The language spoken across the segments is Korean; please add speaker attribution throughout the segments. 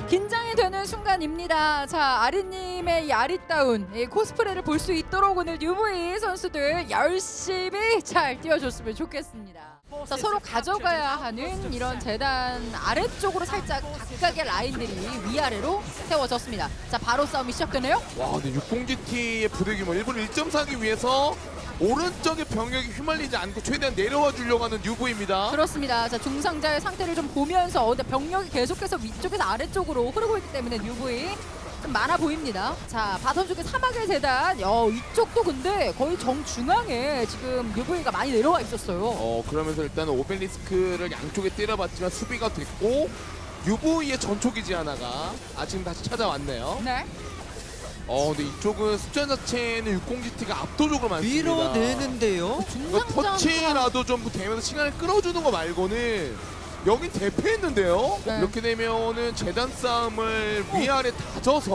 Speaker 1: 긴장이 되는 순간입니다. 자, 아리님의 이 아리따운 이 코스프레를 볼 수 있도록 오늘 UV 선수들 열심히 잘 뛰어줬으면 좋겠습니다. 자, 서로 가져가야 하는 이런 재단 아래쪽으로 살짝 각각의 라인들이 위아래로 세워졌습니다. 자, 바로 싸움이 시작되네요.
Speaker 2: 와, 근데 60GT의 부대 규모 일부러 1점 사기 위해서 오른쪽에 병력이 휘말리지 않고 최대한 내려와 주려고 하는 UV입니다.
Speaker 1: 그렇습니다. 자, 중상자의 상태를 좀 보면서 근데 병력이 계속해서 위쪽에서 아래쪽으로 흐르고 있기 때문에 UV 좀 많아 보입니다. 자, 바텀 쪽에 사막의 재단 이쪽도 근데 거의 정중앙에 지금 UV가 많이 내려와 있었어요.
Speaker 2: 그러면서 일단 오벨리스크를 양쪽에 때려봤지만 수비가 됐고 UV의 전초기지 하나가 지금 다시 찾아왔네요.
Speaker 1: 네.
Speaker 2: 근데 이쪽은 숫자 자체는 60GT가 압도적으로 많습니다.
Speaker 3: 밀어내는데요.
Speaker 2: 이거 터치라도 좀 되면서 시간을 끌어주는 거 말고는 여긴 대패했는데요.
Speaker 1: 네.
Speaker 2: 이렇게 되면은 재단 싸움을 위아래 다져서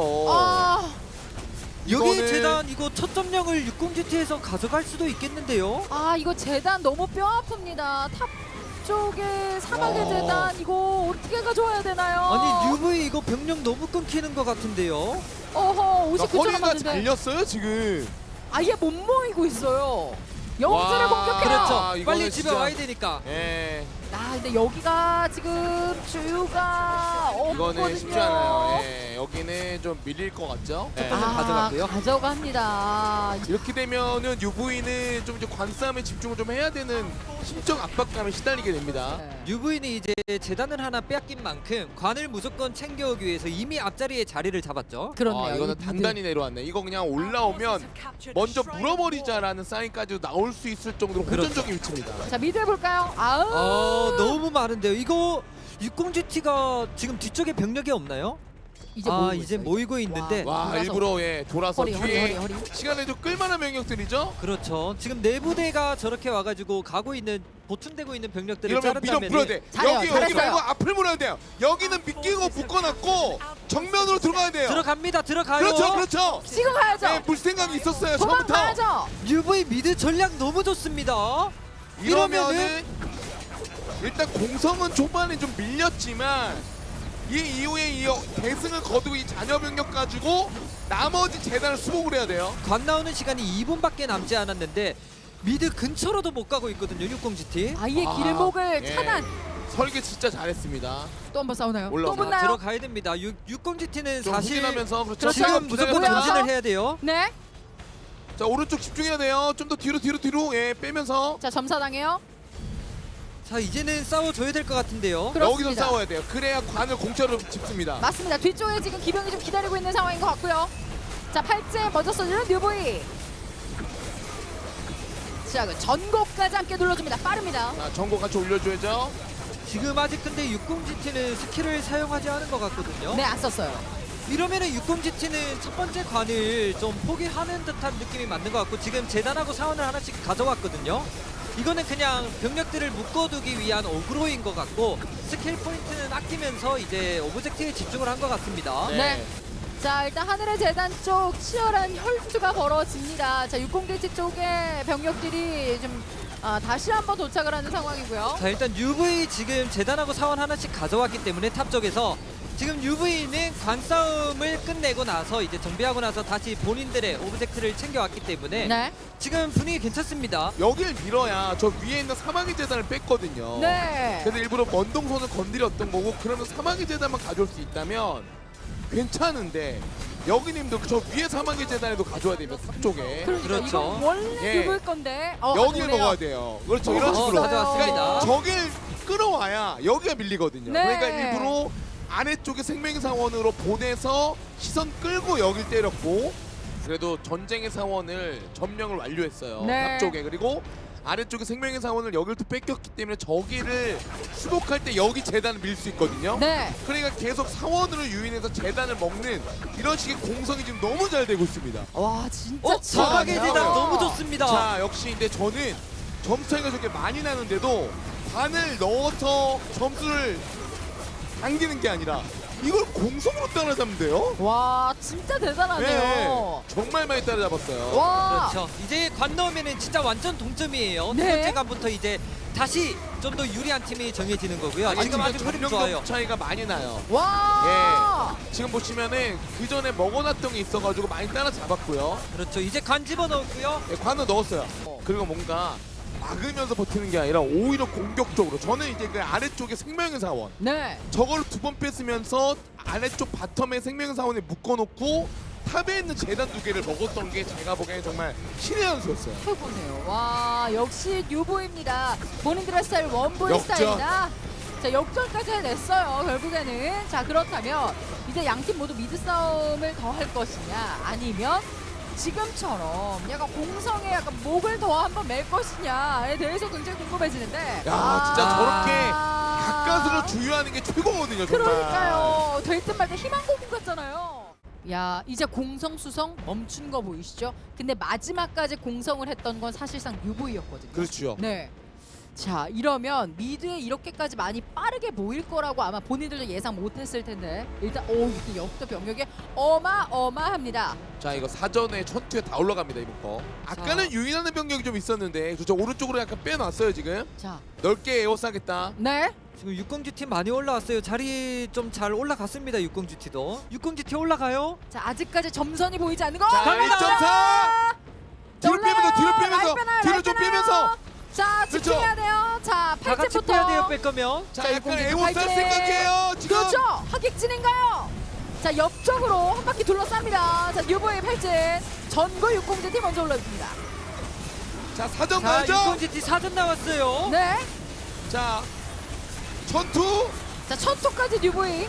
Speaker 3: 여기
Speaker 2: 이거는-
Speaker 3: 재단 이거 첫 점령을 60GT에서 가져갈 수도 있겠는데요.
Speaker 1: 이거 재단 너무 뼈 아픕니다. 탑 쪽에 사막의
Speaker 2: 와.
Speaker 1: 재단 이거 어떻게 가져와야 되나요?
Speaker 3: 아니 UV 이거 병력 너무 끊기는 것 같은데요.
Speaker 1: 어허, 59점
Speaker 2: 허리가
Speaker 1: 남았는데
Speaker 2: 잘렸어요 지금.
Speaker 1: 아예 못 모이고 있어요. 영수를 공격해요.
Speaker 3: 그렇죠.
Speaker 2: 이거는
Speaker 3: 빨리 집에
Speaker 2: 진짜-
Speaker 3: 와야 되니까.
Speaker 2: 예,
Speaker 1: 근데 여기가 지금 주유가
Speaker 2: 이거는
Speaker 1: 없거든요.
Speaker 2: 쉽지 않아요. 예, 여기는 좀 밀릴 것 같죠. 예.
Speaker 3: 가져갔고요.
Speaker 1: 가져갑니다.
Speaker 2: 이렇게 되면은 UV는 좀 이제 관싸움에 집중을 좀 해야 되는 심적 압박감에 시달리게 됩니다.
Speaker 1: 네.
Speaker 3: UV는 이제 재단을 하나 빼앗긴 만큼 관을 무조건 챙겨오기 위해서 이미 앞자리에 자리를 잡았죠.
Speaker 1: 그렇네요.
Speaker 2: 이거는
Speaker 1: 이 미드.
Speaker 2: 단단히 내려왔네. 이거 그냥 올라오면 먼저 물어버리자라는 사인까지도 나올 수 있을 정도로
Speaker 3: 그렇죠.
Speaker 2: 호전적인 위치입니다.
Speaker 1: 자, 미드 해볼까요?
Speaker 3: 너무 많은데요. 이거 60GT가 지금 뒤쪽에 병력이 없나요?
Speaker 1: 이제 모이고
Speaker 3: 이제
Speaker 1: 있어요.
Speaker 3: 모이고 있는데
Speaker 2: 와,
Speaker 1: 돌아서.
Speaker 2: 일부러 돌아서
Speaker 1: 허리,
Speaker 2: 뒤에
Speaker 1: 허리.
Speaker 2: 시간을 좀 끌만한 명령들이죠.
Speaker 3: 그렇죠. 지금 내부대가 저렇게 와가지고 가고 있는 보충되고 있는 병력들을
Speaker 2: 이러면 밀어
Speaker 3: 자른다면
Speaker 2: 풀어야 돼.
Speaker 1: 잘해요,
Speaker 2: 여기
Speaker 1: 잘했어요.
Speaker 2: 말고 앞을 물어야 돼요. 여기는 미끼고 묶어놨고 정면으로 들어가야 돼요.
Speaker 3: 들어가요.
Speaker 2: 그렇죠.
Speaker 1: 지금 가야죠.
Speaker 2: 네, 물 생각이 있었어요. 처음부터.
Speaker 1: 도망가야죠.
Speaker 3: UV 미드 전략 너무 좋습니다.
Speaker 2: 이러면은 일단 공성은 초반에 좀 밀렸지만 이 이후에 이 대승을 거두고 이 잔여 병력 가지고 나머지 재단을 수복을 해야 돼요.
Speaker 3: 관 나오는 시간이 2분밖에 남지 않았는데 미드 근처로도 못 가고 있거든요. 60GT.
Speaker 1: 아예 길목을
Speaker 2: 예.
Speaker 1: 차단.
Speaker 2: 설계 진짜 잘했습니다.
Speaker 1: 또 한 번 싸우나요?
Speaker 2: 올라오자.
Speaker 1: 또 붙나요?
Speaker 3: 들어가야 됩니다. 60GT는
Speaker 2: 좀
Speaker 3: 사실
Speaker 2: 확인하면서 그렇죠.
Speaker 1: 그렇죠.
Speaker 3: 지금 무조건
Speaker 1: 뭐야?
Speaker 3: 전진을 해야 돼요.
Speaker 1: 네.
Speaker 2: 자, 오른쪽 집중해야 돼요. 좀 더 뒤로 예, 빼면서
Speaker 1: 자, 점사당해요.
Speaker 3: 자 이제는 싸워줘야 될 것 같은데요.
Speaker 1: 그렇습니다.
Speaker 2: 여기서 싸워야 돼요. 그래야 관을 공짜로 집습니다.
Speaker 1: 맞습니다. 뒤쪽에 지금 기병이 좀 기다리고 있는 상황인 것 같고요. 자, 팔째 먼저 써주는 뉴보이. 자, 그 전곡까지 함께 눌러줍니다. 빠릅니다.
Speaker 2: 자, 전고 같이 올려줘야죠.
Speaker 3: 지금 아직 근데 60GT는 스킬을 사용하지 않은 것 같거든요.
Speaker 1: 네, 안 썼어요.
Speaker 3: 이러면은 60GT는 첫 번째 관을 좀 포기하는 듯한 느낌이 맞는 것 같고 지금 재단하고 사원을 하나씩 가져왔거든요. 이거는 그냥 병력들을 묶어두기 위한 어그로인 것 같고 스킬 포인트는 아끼면서 이제 오브젝트에 집중을 한 것 같습니다.
Speaker 1: 네. 자, 일단 하늘의 재단 쪽 치열한 혈투가 벌어집니다. 자, 60대치 쪽에 병력들이 좀 다시 한번 도착을 하는 상황이고요.
Speaker 3: 자 일단 UV 지금 재단하고 사원 하나씩 가져왔기 때문에 탑 쪽에서 지금 UV는 관 싸움을 끝내고 나서 이제 정비하고 나서 다시 본인들의 오브젝트를 챙겨왔기 때문에
Speaker 1: 네.
Speaker 3: 지금 분위기 괜찮습니다.
Speaker 2: 여길 밀어야 저 위에 있는 사마귀 재단을 뺐거든요.
Speaker 1: 네.
Speaker 2: 그래서 일부러 먼동선을 건드렸던 거고 그러면 사마귀 재단만 가져올 수 있다면 괜찮은데 여기님도 저 위에 사마귀 재단에도 가져와야 됩니다. 탑 쪽에.
Speaker 1: 그러니까
Speaker 3: 그렇죠.
Speaker 1: 이거 원래
Speaker 2: 예.
Speaker 1: 입을 건데
Speaker 2: 여길
Speaker 1: 가져오네요.
Speaker 2: 먹어야 돼요. 그렇죠. 이런 식으로.
Speaker 3: 가져왔습니다.
Speaker 2: 그러니까 저길 끌어와야 여기가 밀리거든요.
Speaker 1: 네.
Speaker 2: 그러니까 일부러 아래쪽에 생명사원으로 보내서 시선 끌고 여길 때렸고 그래도 전쟁의 사원을 점령을 완료했어요.
Speaker 1: 네.
Speaker 2: 탑 쪽에. 그리고 아래쪽에 생명의 사원을 여길 또 뺏겼기 때문에 저기를 수복할 때 여기 재단을 밀 수 있거든요.
Speaker 1: 네.
Speaker 2: 그러니까 계속 사원으로 유인해서 재단을 먹는 이런 식의 공성이 지금 너무 잘 되고 있습니다.
Speaker 1: 와, 진짜
Speaker 3: 사막의
Speaker 2: 치열하네요.
Speaker 3: 재단 너무 좋습니다.
Speaker 2: 자, 역시 근데 저는 점수 차이가 저렇게 많이 나는데도 반을 넣어서 점수를 당기는 게 아니라 이걸 공성으로 따라잡는데요?
Speaker 1: 와 진짜 대단하네요.
Speaker 2: 정말 많이 따라잡았어요.
Speaker 1: 와.
Speaker 3: 그렇죠. 이제 관 넣으면은 진짜 완전 동점이에요.
Speaker 1: 네.
Speaker 3: 두 번째 관부터 이제 다시 좀 더 유리한 팀이 정해지는 거고요.
Speaker 2: 아니,
Speaker 3: 지금 아주 흐름 좋아요.
Speaker 2: 점령력 차이가 많이 나요.
Speaker 1: 와.
Speaker 2: 지금 보시면은 그 전에 먹어놨던 게 있어가지고 많이 따라잡았고요.
Speaker 3: 그렇죠. 이제 관 집어넣었고요.
Speaker 2: 예, 관을 넣었어요. 그리고 뭔가 막으면서 버티는 게 아니라 오히려 공격적으로. 저는 이제 그 아래쪽에 생명의 사원
Speaker 1: 네.
Speaker 2: 저걸 두 번 뺐으면서 아래쪽 바텀에 생명의 사원에 묶어놓고 탑에 있는 재단 두 개를 먹었던 게 제가 보기에는 정말 신의 한 수였어요.
Speaker 1: 최고네요. 와 역시 뉴보입니다. 본인들의 스타일 원보이
Speaker 2: 역전.
Speaker 1: 스타일이다. 자 역전까지 해냈어요. 결국에는 자 그렇다면 이제 양팀 모두 미드 싸움을 더 할 것이냐 아니면 지금처럼 약간 공성에 약간 목을 더 한번 맬 것이냐에 대해서 굉장히 궁금해지는데.
Speaker 2: 야 진짜 저렇게 가까스로 주유하는 게 최고거든요. 정말.
Speaker 1: 그러니까요. 될 듯 말 듯 희망 고문 같잖아요. 야 이제 공성 수성 멈춘 거 보이시죠? 근데 마지막까지 공성을 했던 건 사실상 유보이였거든요.
Speaker 2: 그렇죠.
Speaker 1: 네. 자 이러면 미드에 이렇게까지 많이 빠르게 모일 거라고 아마 본인들도 예상 못했을 텐데 일단 이게 역도 병력이 어마어마합니다.
Speaker 2: 자 이거 사전에 천투에 다 올라갑니다 이번 거. 아까는 유인하는 병력이 좀 있었는데 그렇죠. 오른쪽으로 약간 빼놨어요 지금.
Speaker 1: 자,
Speaker 2: 넓게 에워싸겠다.
Speaker 1: 네.
Speaker 3: 지금 60GT 많이 올라왔어요. 자리 좀 잘 올라갔습니다. 60GT도. 60GT 올라가요.
Speaker 1: 자 아직까지 점선이 보이지 않는 거.
Speaker 2: 자
Speaker 1: 갑니다.
Speaker 2: 1.4. 뒤로 빼면서 뒤로 빼면서
Speaker 1: 라인 빼나요,
Speaker 2: 뒤로
Speaker 1: 라인
Speaker 2: 좀
Speaker 1: 빼나요?
Speaker 2: 빼면서.
Speaker 1: 자
Speaker 2: 그렇죠.
Speaker 1: 집중해야 돼요. 자
Speaker 3: 다 같이 빼야 돼요.
Speaker 1: 8쯤부터.
Speaker 3: 뺄 거면.
Speaker 2: 자
Speaker 1: 자,
Speaker 2: 약간
Speaker 1: 60GT
Speaker 2: 에워쌀
Speaker 1: 파이팅!
Speaker 2: 생각해요 지금.
Speaker 1: 그렇죠. 하객진인가요? 자 옆쪽으로 한 바퀴 둘러쌉니다. 자 뉴보의 팔진 전거 60GT 먼저 올라옵니다.
Speaker 2: 자 사전
Speaker 3: 자,
Speaker 2: 가야죠.
Speaker 3: 60GT 사전 나왔어요.
Speaker 1: 네.
Speaker 2: 자 전투.
Speaker 1: 자 첫토까지 뉴보이.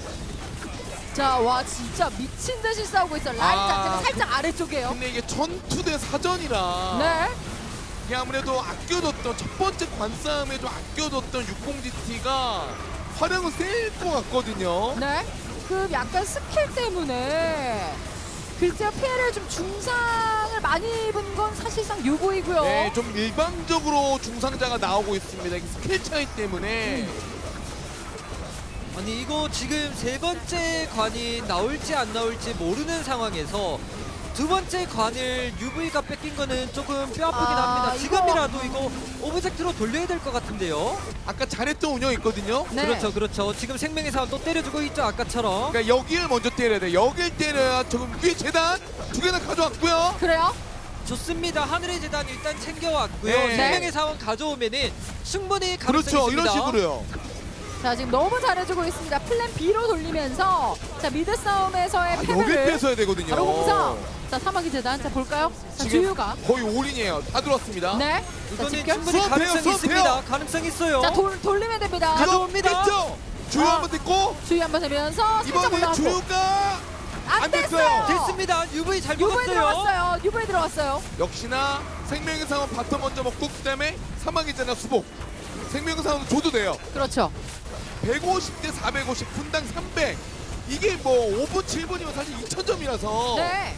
Speaker 1: 자 와 진짜 미친 듯이 싸우고 있어. 라인
Speaker 2: 아,
Speaker 1: 자체가 살짝 아래쪽이에요.
Speaker 2: 근데 이게 전투 대 사전이라.
Speaker 1: 네.
Speaker 2: 이게 아무래도 아껴뒀던 첫 번째 관싸움에 좀 아껴뒀던 60GT가 활용은 셀 것 같거든요.
Speaker 1: 네. 그 약간 스킬 때문에 글쎄요 피해를 좀 중상을 많이 입은 건 사실상 유보이고요.
Speaker 2: 네, 좀 일방적으로 중상자가 나오고 있습니다. 이게 스킬 차이 때문에.
Speaker 3: 아니 이거 지금 세 번째 관이 나올지 안 나올지 모르는 상황에서 두 번째 관을 UV가 뺏긴 거는 조금 뼈 아프긴 합니다. 지금이라도 이거 오브젝트로 돌려야 될 것 같은데요.
Speaker 2: 아까 잘했던 운영 있거든요.
Speaker 1: 네.
Speaker 3: 그렇죠, 그렇죠. 지금 생명의 사원 또 때려주고 있죠, 아까처럼.
Speaker 2: 그러니까 여기를 먼저 때려야 돼. 여길 때려야 조금 위에 재단 두 개나 가져왔고요.
Speaker 1: 그래요?
Speaker 3: 좋습니다. 하늘의 재단 일단 챙겨왔고요.
Speaker 2: 네.
Speaker 3: 생명의 사원 가져오면은 충분히 가능성이
Speaker 2: 그렇죠.
Speaker 3: 있습니다.
Speaker 2: 이런 식으로요.
Speaker 1: 자 지금 너무 잘해주고 있습니다. 플랜 B로 돌리면서 자 미드 싸움에서의
Speaker 2: 여길
Speaker 1: 패배를
Speaker 2: 뺏어야 되거든요.
Speaker 1: 바로 공성. 자 사막의 재단 자 볼까요? 자
Speaker 2: 지금
Speaker 1: 주유가
Speaker 2: 거의 올인이에요. 다 들어왔습니다.
Speaker 1: 네. 자
Speaker 3: 이거는
Speaker 1: 집결.
Speaker 3: 충분히
Speaker 2: 수업해요,
Speaker 3: 가능성이
Speaker 2: 수업해요.
Speaker 3: 있습니다. 가능성 있어요.
Speaker 1: 자 돌리면 됩니다.
Speaker 2: 이거
Speaker 3: 가져옵니다.
Speaker 2: 뺐죠? 주유
Speaker 1: 아.
Speaker 2: 한번 됐고
Speaker 1: 주유 한번 되면서 살짝
Speaker 2: 이번에
Speaker 1: 올라갔고
Speaker 2: 주유가
Speaker 1: 안
Speaker 2: 안
Speaker 1: 됐어요.
Speaker 2: 됐어요.
Speaker 3: 됐습니다. UV 잘
Speaker 1: 유보에
Speaker 3: 먹었어요.
Speaker 1: 들어갔어요. 유보에 들어갔어요.
Speaker 2: 역시나 생명의 상황 바텀 먼저 먹고 그다음에 사막이잖아 수복. 생명의 상황 줘도 돼요.
Speaker 1: 그렇죠.
Speaker 2: 150 대 450 분당 300. 이게 뭐 5분 7분이면 사실 2000점이라서
Speaker 1: 네.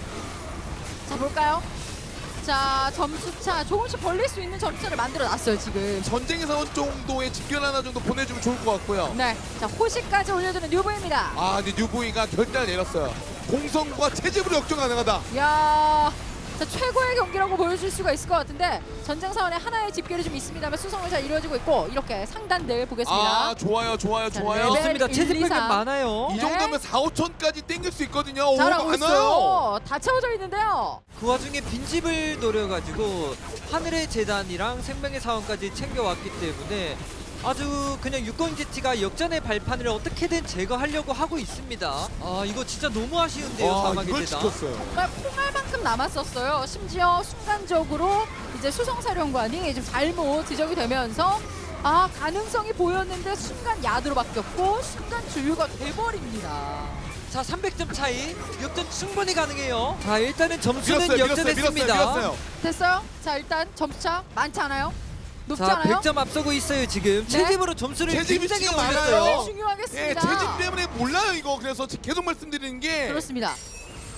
Speaker 1: 자 볼까요? 자 점수차 조금씩 벌릴 수 있는 점수차를 만들어 놨어요 지금.
Speaker 2: 전쟁의 사원 정도의 집결 하나 정도 보내주면 좋을 것 같고요.
Speaker 1: 네. 자 호시까지 올려주는 뉴보입니다.
Speaker 2: 아 근데 뉴보이가 결단을 내렸어요. 공성과 체집으로 역전 가능하다.
Speaker 1: 야. 자 최고의 경기라고 보여줄 수가 있을 것 같은데 전쟁 사원에 하나의 집결이 좀 있습니다만 수성을 잘 이루어지고 있고 이렇게 상단들 보겠습니다.
Speaker 2: 아 좋아요 좋아요
Speaker 1: 자,
Speaker 2: 좋아요.
Speaker 1: 레벨
Speaker 3: 좋습니다.
Speaker 1: 1,
Speaker 3: 체집
Speaker 1: 2,
Speaker 3: 백은
Speaker 1: 3.
Speaker 3: 많아요.
Speaker 2: 이
Speaker 1: 네.
Speaker 2: 정도면 4, 5천까지 땡길 수 있거든요. 오
Speaker 1: 잘하고
Speaker 2: 많아요.
Speaker 1: 있어요. 다 채워져 있는데요.
Speaker 3: 그 와중에 빈집을 노려가지고 하늘의 재단이랑 생명의 사원까지 챙겨왔기 때문에 아주 그냥 60GT가 역전의 발판을 어떻게든 제거하려고 하고 있습니다. 아 이거 진짜 너무 아쉬운데요.
Speaker 2: 와
Speaker 3: 사막의
Speaker 2: 이걸
Speaker 3: 재단.
Speaker 2: 지켰어요.
Speaker 1: 정말 콩알만큼 남았었어요. 심지어 순간적으로 이제 수성사령관이 좀 잘못 지적이 되면서 아 가능성이 보였는데 순간 야드로 바뀌었고 순간 주유가 돼버립니다.
Speaker 3: 자 300점 차이 역전 충분히 가능해요. 자 일단은 점수는
Speaker 2: 밀었어요
Speaker 3: 역전했습니다.
Speaker 2: 밀었어요.
Speaker 1: 됐어요? 자 일단 점수차 많지 않아요? 높지
Speaker 3: 자
Speaker 1: 않아요?
Speaker 3: 100점 앞서고 있어요 지금.
Speaker 1: 네.
Speaker 3: 체집으로 점수를
Speaker 2: 체집이
Speaker 3: 굉장히
Speaker 2: 지금
Speaker 3: 올렸어요.
Speaker 2: 많아요.
Speaker 1: 중요하겠습니다.
Speaker 2: 예, 체집 때문에 몰라요 이거. 그래서 계속 말씀드리는 게
Speaker 1: 그렇습니다.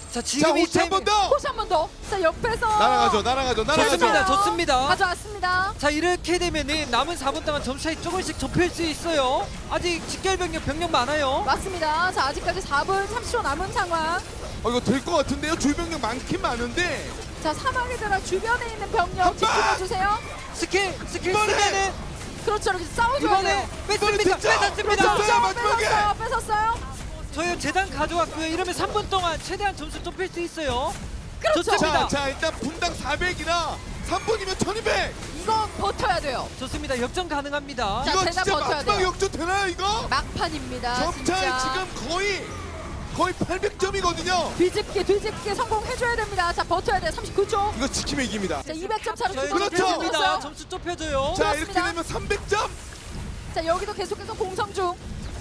Speaker 3: 자
Speaker 2: 자
Speaker 3: 지금 이
Speaker 2: 호치 한 번 더.
Speaker 1: 호시 한 번 더. 자 옆에서
Speaker 2: 날아가죠.
Speaker 3: 좋습니다. 좋습니다.
Speaker 1: 가져왔습니다.
Speaker 3: 자 이렇게 되면은 남은 4분 동안 점수 차이 조금씩 좁힐 수 있어요. 아직 직결 병력 많아요.
Speaker 1: 맞습니다. 자 아직까지 4분 30초 남은 상황.
Speaker 2: 이거 될 것 같은데요. 주변력 많긴 많은데.
Speaker 1: 자 사막에 들어 주변에 있는 병력
Speaker 2: 한 방!
Speaker 1: 집중해주세요.
Speaker 3: 스킬
Speaker 2: 이번에!
Speaker 3: 쓰면은
Speaker 1: 그렇죠. 이렇게 싸워줘야
Speaker 3: 이번에
Speaker 1: 돼요.
Speaker 3: 뺐습니다.
Speaker 2: 득점!
Speaker 3: 뺐습니다.
Speaker 2: 그렇죠. 마지막에!
Speaker 1: 뺏었어요.
Speaker 3: 저희 재단 가져왔고요. 이러면 3분 동안 최대한 점수 좁힐 수 있어요.
Speaker 1: 그렇죠.
Speaker 3: 좋습니다.
Speaker 2: 자 일단 분당 400이라 3분이면 1200.
Speaker 1: 이거 버텨야 돼요.
Speaker 3: 좋습니다. 역전 가능합니다.
Speaker 1: 자,
Speaker 2: 이거
Speaker 1: 대단
Speaker 2: 진짜
Speaker 1: 버텨야
Speaker 2: 마지막
Speaker 1: 돼요.
Speaker 2: 역전 되나요 이거?
Speaker 1: 막판입니다.
Speaker 2: 점차이
Speaker 1: 진짜.
Speaker 2: 지금 거의 800점이거든요.
Speaker 1: 뒤집기 성공해줘야 됩니다. 자 버텨야 돼요. 39초.
Speaker 2: 이거 지키면 이깁니다.
Speaker 1: 자 200점 차로
Speaker 3: 저희
Speaker 2: 그렇죠.
Speaker 3: 좁혀집니다. 점수 좁혀져요.
Speaker 2: 자
Speaker 1: 그렇습니다.
Speaker 2: 이렇게 되면 300점.
Speaker 1: 자 여기도 계속해서 공성 중.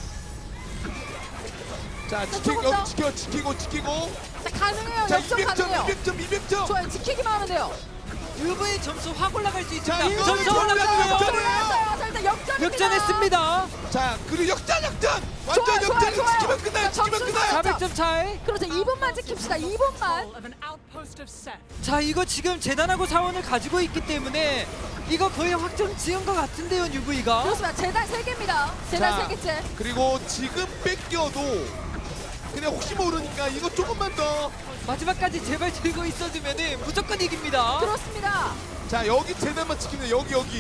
Speaker 2: 자
Speaker 1: 조금 더.
Speaker 2: 지키고.
Speaker 1: 자 가능해요.
Speaker 2: 자
Speaker 1: 역전
Speaker 2: 200점,
Speaker 1: 가능해요.
Speaker 2: 200점.
Speaker 1: 좋아요. 지키기만 하면 돼요.
Speaker 3: UV 점수 확 올라갈 수
Speaker 2: 자,
Speaker 3: 있습니다.
Speaker 2: 이거
Speaker 3: 점수
Speaker 2: 역전
Speaker 3: 올라가고요.
Speaker 2: 역전!
Speaker 1: 올라갔어요. 자 일단 역전입니다.
Speaker 3: 역전했습니다.
Speaker 2: 자 그리고 역전. 완전
Speaker 1: 좋아요,
Speaker 2: 역전.
Speaker 1: 좋아요.
Speaker 2: 지키면 끝나요.
Speaker 1: 자,
Speaker 2: 지키면
Speaker 1: 점수
Speaker 2: 끝나요.
Speaker 3: 400점 차이.
Speaker 1: 그렇죠. 2분만 지킵시다. 2분만.
Speaker 4: of an outpost of Seth.
Speaker 3: 자 이거 지금 재단하고 사원을 가지고 있기 때문에 이거 거의 확정 지은 것 같은데요 UV가.
Speaker 1: 그렇습니다. 재단 3개입니다. 재단
Speaker 2: 자,
Speaker 1: 3개째.
Speaker 2: 그리고 지금 뺏겨도 그냥 혹시 모르니까 이거 조금만 더.
Speaker 3: 마지막까지 제발 들고 있어주면은 무조건 이깁니다.
Speaker 1: 그렇습니다.
Speaker 2: 자 여기 재단만 지키면 여기.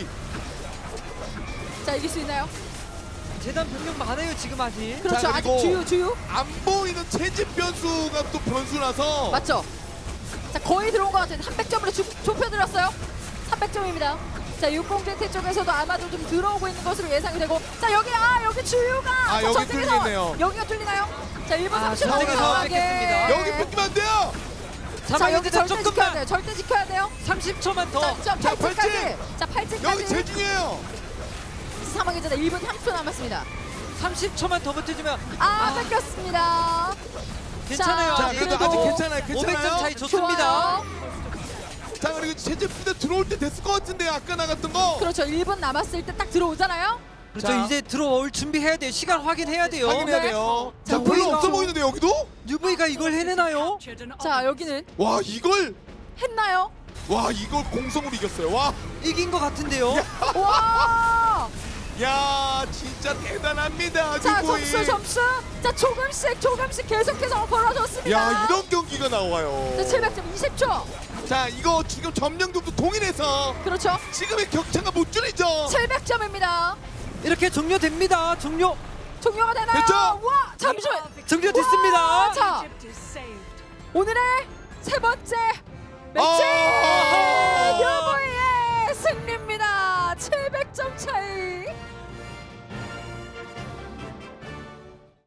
Speaker 1: 자 이길 수 있나요?
Speaker 3: 재단 병력 많아요 지금 아직.
Speaker 1: 그렇죠.
Speaker 2: 자,
Speaker 1: 아직
Speaker 2: 그리고
Speaker 1: 주유.
Speaker 2: 안 보이는 채집 변수가 또 변수라서.
Speaker 1: 맞죠? 자 거의 들어온 것 같아요. 300점으로 좁혀들었어요. 300점입니다. 자 60제트 쪽에서도 아마도 좀 들어오고 있는 것으로 예상이 되고 자 여기 주유가
Speaker 2: 아,
Speaker 1: 자,
Speaker 2: 여기
Speaker 1: 전쟁의 상황.
Speaker 2: 뚫리네요.
Speaker 1: 여기가 뚫리나요? 자 1분
Speaker 3: 아,
Speaker 1: 30초
Speaker 3: 전쟁의 상황 뺏겼습니다.
Speaker 2: 여기 뺏기면 안 돼요.
Speaker 1: 자 여기
Speaker 3: 사망인데
Speaker 1: 절대 지켜야 돼요.
Speaker 3: 조금만
Speaker 1: 절대 지켜야 돼요.
Speaker 3: 30초만 더.
Speaker 1: 자
Speaker 2: 자,
Speaker 1: 8층까지. 자
Speaker 2: 여기
Speaker 1: 8층까지.
Speaker 2: 제일 중요해요.
Speaker 1: 사망의 전에 1분 30초 남았습니다.
Speaker 3: 30초만 더 버텨주면
Speaker 1: 뺏겼습니다.
Speaker 3: 괜찮아요.
Speaker 2: 자
Speaker 3: 아직.
Speaker 2: 그래도 아직 괜찮아요.
Speaker 3: 500점 차이 좋습니다.
Speaker 1: 좋아요.
Speaker 2: 자 그리고 채집 부대 들어올 때 됐을 것 같은데요. 아까 나갔던 거.
Speaker 1: 그렇죠. 1분 남았을 때 딱 들어오잖아요.
Speaker 3: 그렇죠.
Speaker 2: 자.
Speaker 3: 이제 들어올 준비해야 돼요. 시간 확인해야 돼요.
Speaker 2: 확인해야 돼요.
Speaker 1: 자,
Speaker 2: 자 별로
Speaker 1: 우리가-
Speaker 2: 없어 보이는데 여기도?
Speaker 3: UV가 이걸 해내나요?
Speaker 1: 자 여기는
Speaker 2: 와 이걸
Speaker 1: 했나요?
Speaker 2: 공성으로 이겼어요. 와.
Speaker 3: 이긴 것 같은데요.
Speaker 1: 와!
Speaker 2: 야 진짜 대단합니다.
Speaker 1: 자
Speaker 2: 유고인.
Speaker 1: 점수. 자 조금씩 계속해서 벌어졌습니다.
Speaker 2: 야 이런 경기가 나와요.
Speaker 1: 자 700점 20초.
Speaker 2: 자 이거 지금 점령도도 동일해서
Speaker 1: 그렇죠.
Speaker 2: 지금의 격차가 못 줄이죠.
Speaker 1: 700점입니다.
Speaker 3: 이렇게 종료됩니다. 종료됐습니다.
Speaker 1: 종료가 되나요?
Speaker 2: 됐죠?
Speaker 1: 와 잠시만. 와, 자
Speaker 4: Egypt is saved.
Speaker 1: 오늘의 세 번째 매치
Speaker 2: 아!
Speaker 1: UV의 승리입니다. 700점 차이.